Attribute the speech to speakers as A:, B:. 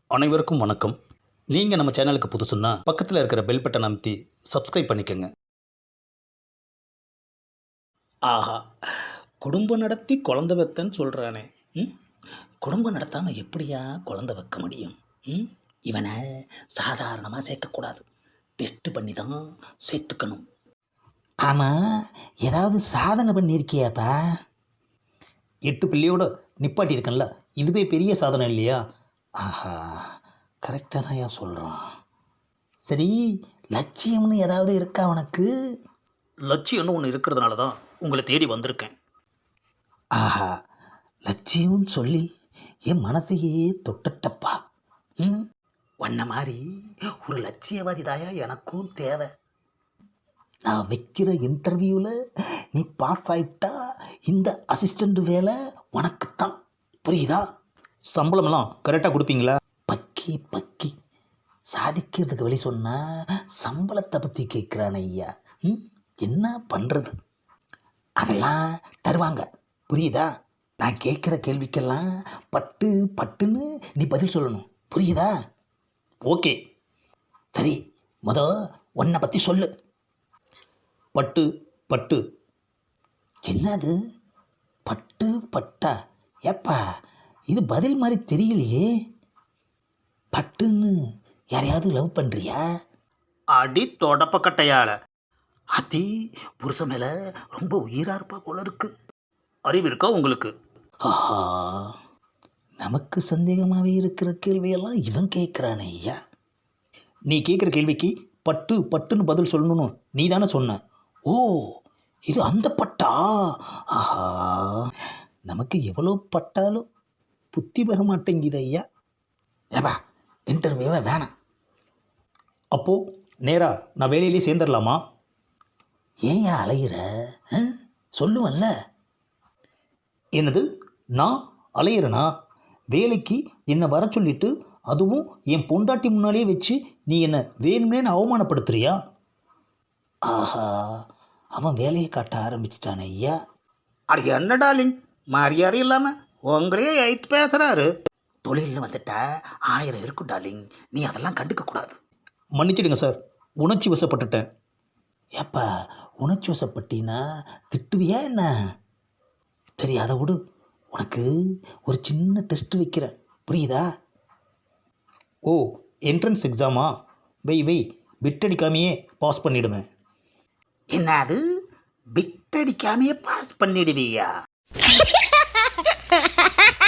A: அனைவருக்கும் வணக்கம். நீங்கள் நம்ம சேனலுக்கு புதுசுன்னா பக்கத்தில் இருக்கிற பெல் பட்டன் அமைத்தி சப்ஸ்கிரைப் பண்ணிக்கோங்க. ஆஹா, குடும்பம் நடத்தி குழந்தை வைத்தன்னு சொல்கிறானே. ம் குடும்பம் நடத்தாமல் எப்படியா குழந்தை வைக்க முடியும்? ம் இவனை சாதாரணமாக சேர்க்கக்கூடாது, டெஸ்ட் பண்ணி தான் சேர்த்துக்கணும்.
B: ஆமாம், ஏதாவது சாதனை பண்ணியிருக்கியாப்பா?
A: 8 பிள்ளையோட நிப்பாட்டியிருக்கேன்ல, இதுவே பெரிய சாதனை இல்லையா?
B: ஆஹா, கரெக்டாக தான் ஏன் சொல்கிறான். சரி, லட்சியம்னு ஏதாவது இருக்கா உனக்கு?
A: லட்சியம்னு ஒன்று இருக்கிறதுனால தான் உங்களை தேடி வந்திருக்கேன்.
B: ஆஹா, லட்சியம்னு சொல்லி என் மனசையே தொட்டுட்டப்பா. ம்
A: உன்ன மாதிரி ஒரு லட்சியவாதி தாயா எனக்கும் தேவை.
B: நான் வைக்கிற இன்டர்வியூவில் நீ பாஸ் ஆகிட்டா இந்த அசிஸ்டண்ட் வேலை உனக்குத்தான். புரியுதா?
A: சம்பளமெல்லாம் கரெக்டாக கொடுப்பீங்களா?
B: பக்கி பக்கி சாதிக்கிறதுக்கு வழி சொன்னால் சம்பளத்தை பற்றி கேட்குறான் ஐயா. என்ன பண்ணுறது? அதெல்லாம் தருவாங்க, புரியுதா? நான் கேட்குற கேள்விக்கெல்லாம் பட்டு பட்டுன்னு நீ பதில் சொல்லணும், புரியுதா?
A: ஓகே.
B: சரி, உன்னை பற்றி சொல்லு.
A: பட்டு பட்டு.
B: என்னது பட்டு பட்டா? ஏப்பா, இது பதில் மாதிரி தெரியலையே. பட்டுன்னு யாரையாவது லவ் பண்ணுறியா?
A: அடி தொடப்பக்கட்டையால் அத்தி புருஷன் மேலே ரொம்ப உயிராக இருப்பா போல இருக்கு. அறிவு இருக்கா உங்களுக்கு?
B: ஆஹா, நமக்கு சந்தேகமாகவே இருக்கிற கேள்வியெல்லாம் இவன் கேட்குறானே ஐயா.
A: நீ கேட்குற கேள்விக்கு பட்டு பட்டுன்னு பதில் சொல்லணும்னு நீ தானே சொன்ன.
B: ஓ, இது அந்த பட்டா? ஆஹா, நமக்கு எவ்வளோ பட்டாலும் புத்தி வர மாட்டேங்குது ஐயா. ஏப்பா, இன்டர்வியூவே வேணாம்.
A: அப்போது நேராக நான் வேலையிலே சேர்ந்துடலாமா?
B: ஏன் அலையிற? சொல்லுவல்ல.
A: என்னது, நான் அலையிறனா? வேலைக்கு என்னை வர சொல்லிட்டு, அதுவும் என் பொண்டாட்டி முன்னாலே வச்சு நீ என்னை வேணும்னே அவமானப்படுத்துறியா?
B: ஆஹா, அவன் வேலையை காட்ட ஆரம்பிச்சிட்டான் ஐயா.
A: அது என்ன டார்லிங், மரியாதை இல்லாமல் உங்களே ஐத்து பேசுகிறாரு.
B: தொழில்னு வந்துட்டா 1000 இருக்கும் டார்லிங், நீ அதெல்லாம் கண்டுக்கக்கூடாது.
A: மன்னிச்சிடுங்க சார், உணர்ச்சி வசப்பட்டுட்டேன்.
B: ஏப்பா, உணர்ச்சி வசப்பட்டினா திட்டுவியா என்ன? சரி, அதை விடு. உனக்கு ஒரு சின்ன டெஸ்ட் வைக்கிறேன், புரியுதா?
A: ஓ, என்ட்ரன்ஸ் எக்ஸாமா? வை விட்டடிக்காமையே பாஸ் பண்ணிவிடுவேன்.
B: என்னது, பிட்டடிக்காமையே பாஸ் பண்ணிடுவியா?